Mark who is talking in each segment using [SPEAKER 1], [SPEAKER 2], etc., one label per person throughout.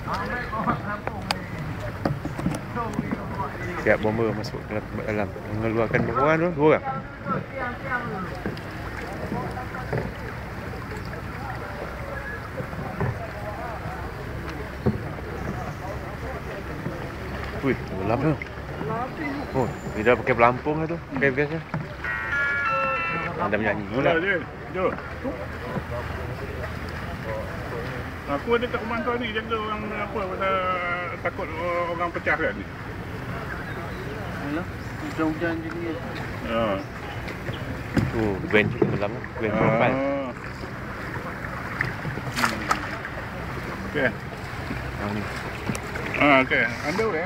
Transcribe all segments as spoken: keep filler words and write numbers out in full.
[SPEAKER 1] Siap bomber masuk ke dalam, mengeluarkan berapa orang tu? Dua orang? Wih, gelap tu. Oh, dia dah pakai pelampung lah tu. Pakai biasa. Ada menyanyi pula.
[SPEAKER 2] Jom. Aku ada kat rumah kau ni jaga orang apa pasal takut orang pecah kan ni.
[SPEAKER 3] Alah, hujan-hujan je ni.
[SPEAKER 2] Ha.
[SPEAKER 1] Tu, van tu dalam, van profile.
[SPEAKER 2] Okey.
[SPEAKER 1] Ha ni.
[SPEAKER 2] Ah, okey. Anda eh.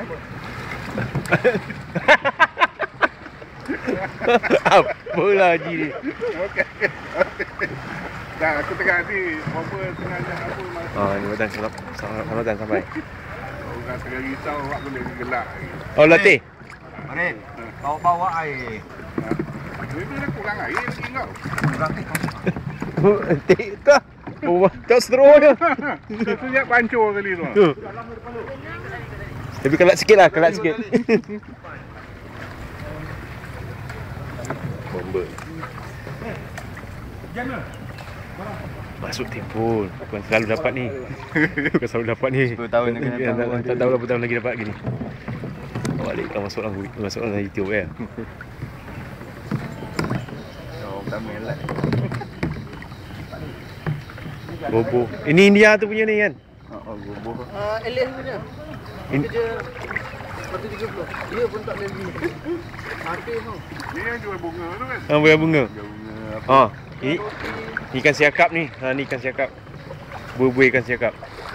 [SPEAKER 1] Apalah Haji ni.
[SPEAKER 2] Okey. Dah aku tengah ni, apa tengah jalan apa masa.
[SPEAKER 1] Ah, ni Ramadan selamat Ramadan sampai.
[SPEAKER 2] Orang tengah risau awak boleh gelak lagi.
[SPEAKER 1] Oh, latih.
[SPEAKER 3] Marin, bawa-bawa air.
[SPEAKER 2] Dia dah kurang air lagi kau.
[SPEAKER 3] Kurang ni.
[SPEAKER 1] Latih kah? Oh, tak seterusnya.
[SPEAKER 2] Sejak pancur kali tu.
[SPEAKER 1] Tu. Tapi kelak sikit lah, kelak sikit. Bomber.
[SPEAKER 2] Jangan.
[SPEAKER 1] Masuk timpul. Bukan selalu dapat ni. Bukan selalu dapat ni.
[SPEAKER 3] sepuluh tahun akan datang.
[SPEAKER 1] Tak, tak tahu berapa tahun lagi dapat gini. Balik kau masuk dalam masuk dalam YouTube ya.
[SPEAKER 3] Oh, pertama lah.
[SPEAKER 1] Bobo. Ini India tu punya ni kan?
[SPEAKER 3] Oh, goboh.
[SPEAKER 4] Ah, Elias punya.
[SPEAKER 1] In...
[SPEAKER 4] Kerja seratus tiga puluh. Dia pun tak lagi. Habis tu.
[SPEAKER 2] Ni yang jual bunga tu kan?
[SPEAKER 1] Ah, bunga bunga.
[SPEAKER 3] Bunga apa?
[SPEAKER 1] Ha. Ni ni ikan siakap ni. Ha, ni ikan siakap. Buih-buih ikan siakap.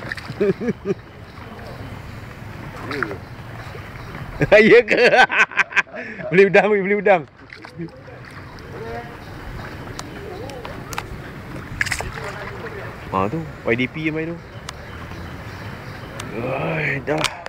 [SPEAKER 1] Ya ke? Beli udang, beli udang. Ha tu, Y D P yang main tu. Ai, dah.